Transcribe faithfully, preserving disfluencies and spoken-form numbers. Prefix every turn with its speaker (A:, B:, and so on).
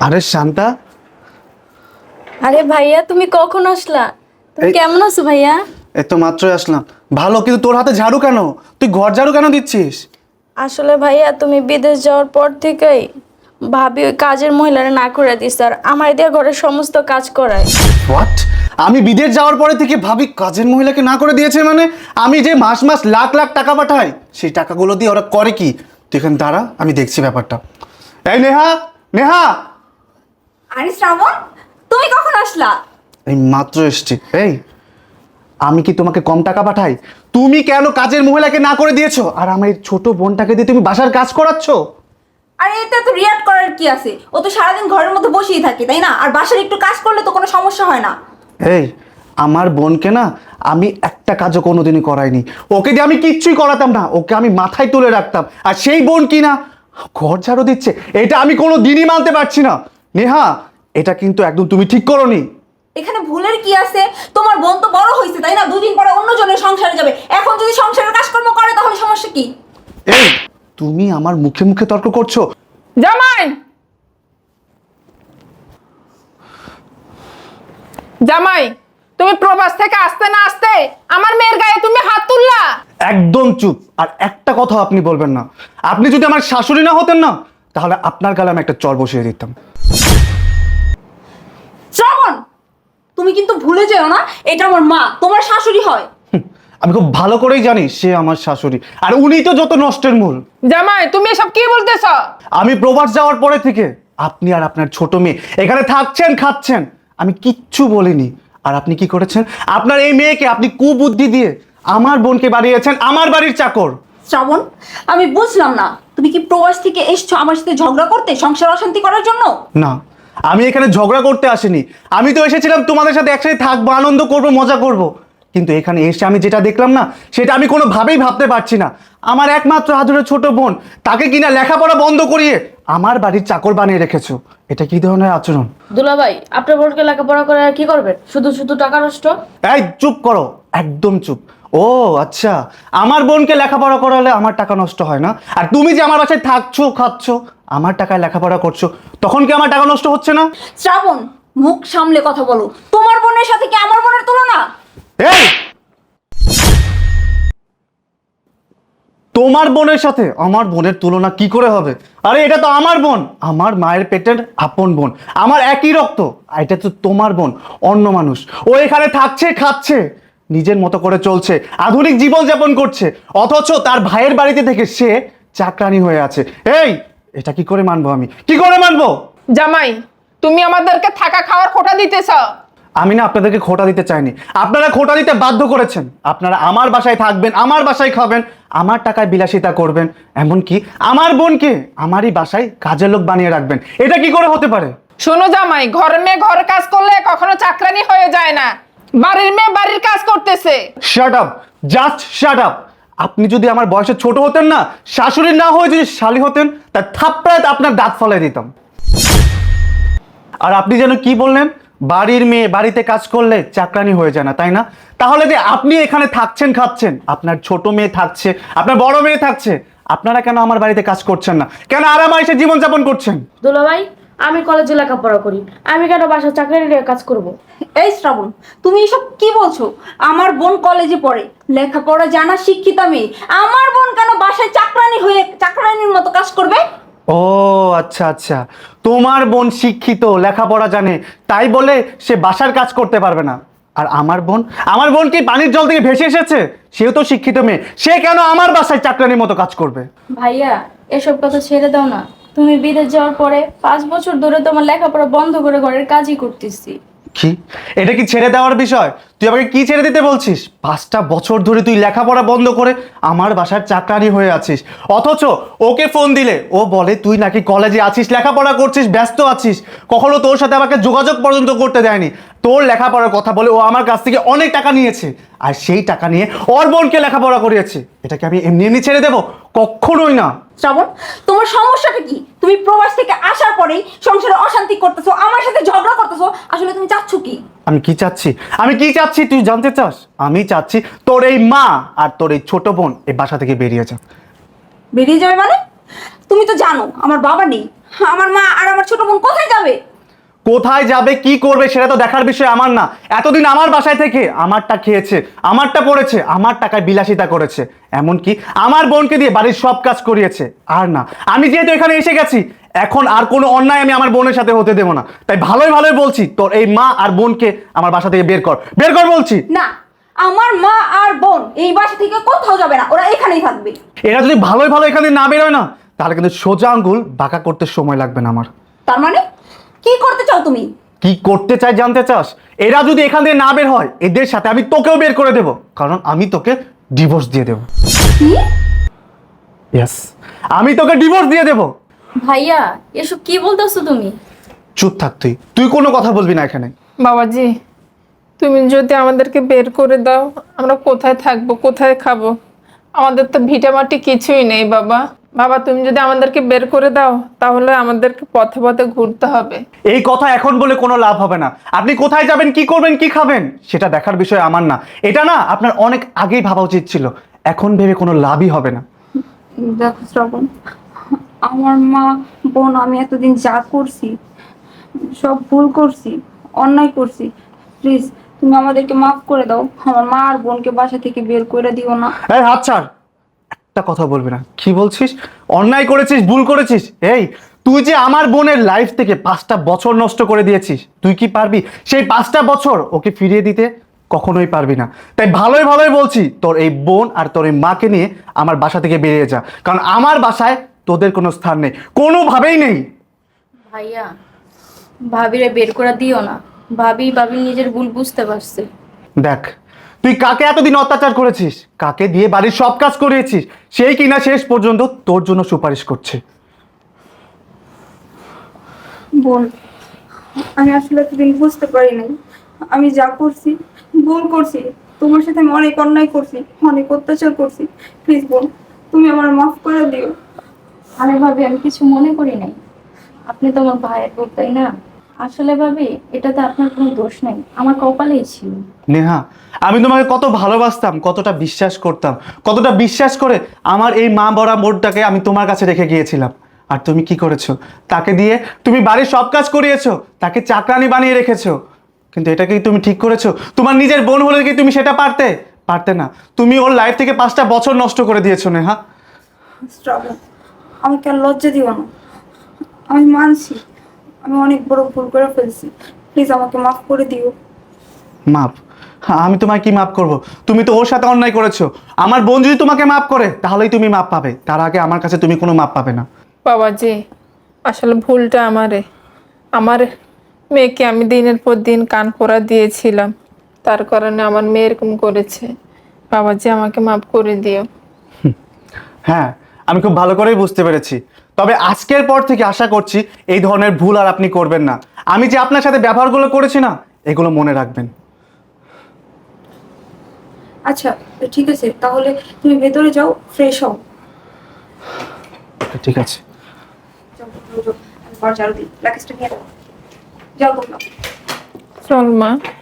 A: আরে শান্তা,
B: আরে ভাইয়া তুমি কখন আসলা? তুমি
A: এই-
B: কেমন আছো ভাইয়া?
A: এই তো মাত্রই আসলাম। ভালো, কিন্তু তোর হাতে ঝাড়ু কেন? তুই ঘর ঝাড়ু কেন দিচ্ছিস?
B: আসলে ভাইয়া তুমি বিদেশ যাওয়ার পর থেকেই ভাবি ওই কাজের মহিলারা না করে দিস আর আমার দিয়ে ঘরের সমস্ত কাজ করায়।
A: হোয়াট? আমি বিদেশ যাওয়ার পরে থেকে ভাবি কাজের মহিলাকে না করে দিয়েছে? মানে আমি যে মাস মাস লাখ লাখ টাকা পাঠাই, সেই টাকাগুলো দিয়ে ওরা করে কি? তুই এখানে দাঁড়া, আমি দেখছি ব্যাপারটা। এই নেহা, নেহা!
C: আরে শ্রাবণ, তুমি কখন আসলা?
A: এই মাত্র এসছি। এই, আমি কি তোমাকে কম টাকা পাঠাই? তুমি কেন কাজের মহিলাকে না করে দিয়েছো আর আমার এই ছোট বোনটাকে দিয়ে তুমি বাসার কাজ করাচ্ছ?
C: আরে এতে তো রিয়াক্ট করার কি আছে? ও তো সারাদিন ঘরের মধ্যে বসেই থাকে, তাই না? আর বাসার একটু কাজ করলে তো কোনো সমস্যা হয় না।
A: এই, আমার বোনকে না আমি একটা কাজও কোনোদিনই করাইনি। ওকে দিয়ে আমি কিচ্ছুই করাতাম না, ওকে আমি মাথায় তুলে রাখতাম। আর সেই বোন কি না ঘর ঝাড়ু দিচ্ছে, এটা আমি কোনো দিনই মানতে পারছি না। নেহা, এটা কিন্তু একদম তুমি ঠিক করোনি।
C: এখানে ভুলের কি আছে? তোমার বোন তো বড় হয়েছে, তাই না? দুদিন পরে অন্য জনের সংসারে যাবে। এখন যদি সংসারের কাজকর্ম করে তাহলে সমস্যা কি?
A: এই, তুমি আমার মুখে মুখে তর্ক করছো।
D: জামাই, জামাই, তুমি প্রবাস থেকে আসতে না আসতে আমার মেয়ের গায়ে তুমি হাত তুললা।
A: একদম চুপ, আর একটা কথা আপনি বলবেন না। আপনি যদি আমার শাশুড়ি না হতেন না, তাহলে আপনার গালে আমি একটা চর বসিয়ে দিতাম।
C: শ্রাবণ, তুমি কিন্তু ভুলে যেও না, এটা আমার মা, তোমার শাশুড়ি হয়।
A: হুম, আমি খুব ভালো করেই জানি সে আমার শাশুড়ি, আর উনিই তো যত নষ্টের মূল।
D: জামাই, তুমি এসব কি বলতেছ?
A: আমি প্রবাস যাওয়ার পরে থেকে আপনি আর আপনার ছোট মেয়ে এখানে থাকছেন, খাচ্ছেন, আমি কিচ্ছু বলিনি। আর আপনি কি করেছেন? আপনার এই মেয়েকে আপনি কুবুদ্ধি দিয়ে আমার বোনকে বানিয়েছেন আমার বাড়ির চাকর।
C: শ্রাবণ, আমি বুঝলাম না, তুমি কি প্রবাস থেকে এসছো আমার সাথে ঝগড়া করতে, সংসার অশান্তি করার জন্য?
A: না, আমি এখানে ঝগড়া করতে আসিনি। আমি তো এসেছিলাম তোমাদের সাথে একসাথে থাকবো, আনন্দ করব, মজা করব। কিন্তু এখানে এসে আমি যেটা দেখলাম না, সেটা আমি কোনোভাবেই ভাবতে পারছি না। আমার একমাত্র আদরের ছোট বোন, তাকে কিনা লেখাপড়া বন্ধ করিয়ে আমার বাড়ির চাকর বানিয়ে রেখেছো। এটা কি ধরনের আচরণ?
B: দুলাভাই, আপনার বোনকে লেখাপড়া করে আর কি করবেন? শুধু শুধু টাকা নষ্ট।
A: এই চুপ করো, একদম চুপ। ও আচ্ছা, আমার বোনকে লেখাপড়া করালে আমার টাকা নষ্ট হয় না, আর তুমি যে আমার বাসায় থাকছো, খাচ্ছো, আমার টাকায় লেখাপড়া করছো, তখন কি আমার টাকা নষ্ট হচ্ছে না?
C: শ্রাবণ, মুখ সামলে কথা বলো। তোমার বোনের সাথে কি আমার বোনের তুলনা?
A: এই, তোমার বোনের সাথে আমার বোনের তুলনা কি করে হবে? আরে এটা তো আমার বোন, আমার মায়ের পেটের আপন বোন, আমার একই রক্ত। আর এটা তো তোমার বোন, অন্য মানুষ। ও এখানে থাকছে, খাচ্ছে, নিজের মতো করে চলছে, আধুনিক জীবন যাপন করছে, অথচ তার ভাইয়ের বাড়িতে থেকে সে চাকরানি হয়ে আছে। এই, এটা কি করে মানবো? আমি কি করে মানবো?
D: জামাই, তুমি আমাদেরকে থাকা খাওয়ার খোটা দিতেছ।
A: আমি না আপনাদেরকে খোটা দিতে চাইনি, আপনারা খোটা দিতে বাধ্য করেছেন। আপনারা আমার বাসায় থাকবেন, আমার বাসায় খাবেন, আমার টাকায় বিলাসিতা করবেন, এমনকি আমার বোনকে আমারই বাসায় কাজের লোক বানিয়ে রাখবেন। এটা কি করে হতে পারে?
D: শোনো জামাই, ঘরের মেয়ে ঘরের কাজ করলে কখনো চাকরানি হয়ে যায় না। বাড়ির মেয়ে বাড়ির কাজ করতেছে।
A: Shut up, just shut up. আপনি যদি আমার বয়সে ছোট হতেন না, শাশুড়ি না হয়ে যদি শালি হতেন, তার থাপ্পড়ায় আপনার দাঁত ফলাই দিতাম। আর আপনি যেন কি বললেন, বাড়ির মেয়ে বাড়িতে কাজ করলে চাকরানি হয়ে যায় না, তাই না? তাহলে যে আপনি এখানে থাকছেন, খাচ্ছেন, আপনার ছোট মেয়ে থাকছে, আপনার বড় মেয়ে থাকছে, আপনারা কেন আমার বাড়িতে কাজ করছেন না? কেন আরাম আয়েশে জীবনযাপন করছেন?
B: দুলাভাই, আমি কলেজে লেখাপড়া করি, আমি কেন বাসার চাকরি নিয়ে কাজ করব?
C: এই শ্রাবণ, তুমি এসব কি বলছো? আমার বোন কলেজে পড়ে, লেখাপড়া জানা শিক্ষিতা মেয়ে। আমার বোন কেন বাসায় চাকরানি হয়ে চাকরানির মতো কাজ করবে?
A: ও আচ্ছা আচ্ছা, তোমার বোন শিক্ষিত, লেখাপড়া জানে, তাই বলে সে বাসার কাজ করতে পারবে না। আর আমার বোন, আমার বোন কি পানির জল থেকে ভেসে এসেছে? সেও তো শিক্ষিত মেয়ে, সে কেন আমার বাসায় চাকরানির মতো কাজ করবে?
B: ভাইয়া, এসব কথা ছেড়ে দাও না। তুমি বিদেশ যাওয়ার পরে পাঁচ বছর ধরে তোমার লেখাপড়া বন্ধ করে ঘরের কাজই করতেছি।
A: কি, এটা কি ছেড়ে দেওয়ার বিষয়? তুই আমাকে কি ছেড়ে দিতে বলছিস? পাঁচটা বছর ধরে তুই লেখাপড়া বন্ধ করে আমার বাসার চাকরানি হয়ে আছিস, অথচ ওকে ফোন দিলে ও বলে তুই নাকি কলেজে আছিস, লেখাপড়া করছিস, ব্যস্ত আছিস। কখনো তোর সাথে আমাকে যোগাযোগ পর্যন্ত করতে দেয়নি। তোর লেখাপড়ার কথা বলে ও আমার কাছ থেকে অনেক টাকা নিয়েছে, আর সেই টাকা নিয়ে ওর বোনকে লেখাপড়া করিয়েছে। এটাকে আমি এমনি এমনি ছেড়ে দেবো? কখনোই না।
C: শ্রাবণ, তোমার সমস্যাটা কি? তুমি প্রবাস থেকে আসার পরেই সংসারে অশান্তি করতেছো, আমার সাথে ঝগড়া করতেছো। আসলে তুমি চাচ্ছ কি?
A: আমি কি চাচ্ছি? আমি কি চাচ্ছি তুই জানতে চাস? আমি চাচ্ছি তোর এই মা আর তোর এই ছোট বোন এই বাসা থেকে বেরিয়ে যা।
C: বেরিয়ে যাবে মানে? তুমি তো জানো আমার বাবা নেই, আমার মা আর আমার ছোট বোন কোথায় যাবে?
A: কোথায় যাবে কি করবে সেটা তো দেখার বিষয় আমার না। এতদিন আমার বাসায় থেকে আমারটা খেয়েছে, আমারটা পড়েছে, আমার টাকায় বিলাসিতা করেছে, এমনকি আমার বোনকে দিয়ে বাড়ির সব কাজ করিয়েছে। আর না, আমি যেহেতু এখানে এসে গেছি, এখন আর কোনো অন্যায় আমি আমার বোনের সাথে হতে দেবো না। তাই ভালোই ভালোই বলছি, তোর এই মা আর বোনকে আমার বাসা থেকে বের কর, বের কর বলছি।
C: না, আমার মা আর বোন এই বাসা থেকে কোথাও যাবে না, ওরা এখানেই থাকবে।
A: এরা যদি ভালোই ভালো এখানে না বেরোয় না, তাহলে কিন্তু সোজা আঙ্গুল বাঁকা করতে সময় লাগবে না আমার।
C: তার মানে কি করতে চাও তুমি?
A: কি করতে চাই জানতে চাস? এরা যদি এখান থেকে না বের হয়, এদের সাথে আমি তোকেও বের করে দেব, কারণ আমি তোকে ডিভোর্স দিয়ে দেব।
C: কি?
A: ইয়েস, আমি তোকে ডিভোর্স দিয়ে দেব।
B: ভাইয়া এসব কি বলতেছো তুমি?
A: চুপ থাক তুই, তুই কোনো কথা বলবি না এখানে।
D: বাবাজি, তুমি যদি আমাদেরকে বের করে দাও, আমরা কোথায় থাকবো, কোথায় খাবো? আমাদের তো ভিটামাটি কিছুই নেই বাবা। বাবা, তুমি যদি আমাদেরকে বের করে দাও, তাহলে আমাদেরকে পথে পথে ঘুরতে হবে।
A: এই কথা এখন বলে কোনো লাভ হবে না। আপনি কোথায় যাবেন, কি করবেন, কি খাবেন, সেটা দেখার বিষয় আমার না। এটা না আপনার অনেক আগেই ভাবা উচিত ছিল, এখন ভেবে কোনো লাভই হবে না।
C: দেখো শ্রাবণ, আমার মা বোন আমি এতদিন যা করছি সব ভুল করছি, অন্যায় করছি। প্লিজ তুমি আমাদেরকে মাফ করে দাও। আমার মা আর বোনকে বাসা থেকে বের করে দিও না।
A: এই হাত ছাড়, একটা কথা বলবি না। কি বলছিস? অন্যায় করেছিস, ভুল করেছিস? এই তুই যে আমার বোনের লাইফ থেকে পাঁচটা বছর নষ্ট করে দিয়েছিস, তুই কি পারবি সেই পাঁচটা বছর ওকে ফিরিয়ে দিতে? কখনোই পারবি না। তাই ভালোই ভালোই বলছি, তোর এই বোন আর তোর এই মাকে নিয়ে আমার বাসা থেকে বেরিয়ে যা, কারণ আমার বাসায় তোদের কোনো স্থান নেই, কোনোভাবেই নেই।
B: ভাইয়া ভাবিরে বের করে দিও না। ভাবি ভাবি নিজের ভুল বুঝতে পারছে।
A: দেখ, তুই কাকে এতদিন অত্যাচার করেছিস, কাকে দিয়ে বাড়ির সব কাজ করিয়েছিস, সেই কিনা শেষ পর্যন্ত তোর জন্য সুপারিশ করছে।
C: বোন, আমি আসলে এতদিন বুঝতে পারি নাই, আমি যা করছি ভুল করছি। তোমার সাথে আমি অনেক অন্যায় করছি, অনেক অত্যাচার করছি। প্লিজ বোন, তুমি আমার মাফ করে দিও।
B: আরে ভাবি আমি কিছু মনে করি নাই। আপনি তো আমার ভাইয়ের বোন, তাই না? আসলে ভাবি এটাতে আপনার কোনো দোষ নাই, আমার কপালেই ছিল।
A: নেহা, আমি তোমাকে কত ভালোবাসতাম, কতটা বিশ্বাস করতাম, কতটা বিশ্বাস করে আমার এই মা বড়া বোনটাকে আমি তোমার কাছে রেখে গিয়েছিলাম। আর তুমি কি করেছো? তাকে দিয়ে তুমি বাড়ির সব কাজ করিয়েছো, তাকে চাকরানি বানিয়ে রেখেছো। কিন্তু এটা কি তুমি ঠিক করেছো? তোমার নিজের বোন হলে কি তুমি সেটা পারতে? পারতে না। তুমি ওর লাইফ থেকে পাঁচটা বছর নষ্ট করে দিয়েছো নেহা।
C: শ্রাবণ, আমাকে আর লজ্জা দিও না। আমি মানছি আমি অনেক বড় ভুল করে ফেলছি। প্লিজ আমাকে মাফ করে দিও।
A: মাপ? হ্যাঁ, আমি তোমায় কি মাপ করব? তুমি তো ওর সাথে অন্যায় করেছো। আমার বোন যদি তোমাকে মাপ করে তাহলেই তুমি মাপ পাবে, তার আগে আমার কাছে তুমি কোনো মাপ পাবে না।
D: বাবাজি, আসলে ভুলটা আমারে। আমার মেয়েকে আমি দিনের পর দিন কান পড়া দিয়েছিলাম, তার কারণে আমার মেয়ে এরকম করেছে। বাবাজি, আমাকে মাফ করে দিও।
A: হ্যাঁ, আমি খুব ভালো করেই বুঝতে পেরেছি। তবে আজকের পর থেকে আশা করছি এই ধরনের ভুল আর আপনি করবেন না। আমি যে আপনার সাথে ব্যবহারগুলো করেছি না, এগুলো মনে রাখবেন।
C: আচ্ছা ঠিক আছে, তাহলে তুমি ভেতরে যাও, ফ্রেশ হও।
A: ঠিক আছে।
C: যাও, যাও, যাও। আমি ঘর ঝাড়ু দিই, লাগেজটা নিয়ে যাও। যাও তোমরা।
D: চল মা।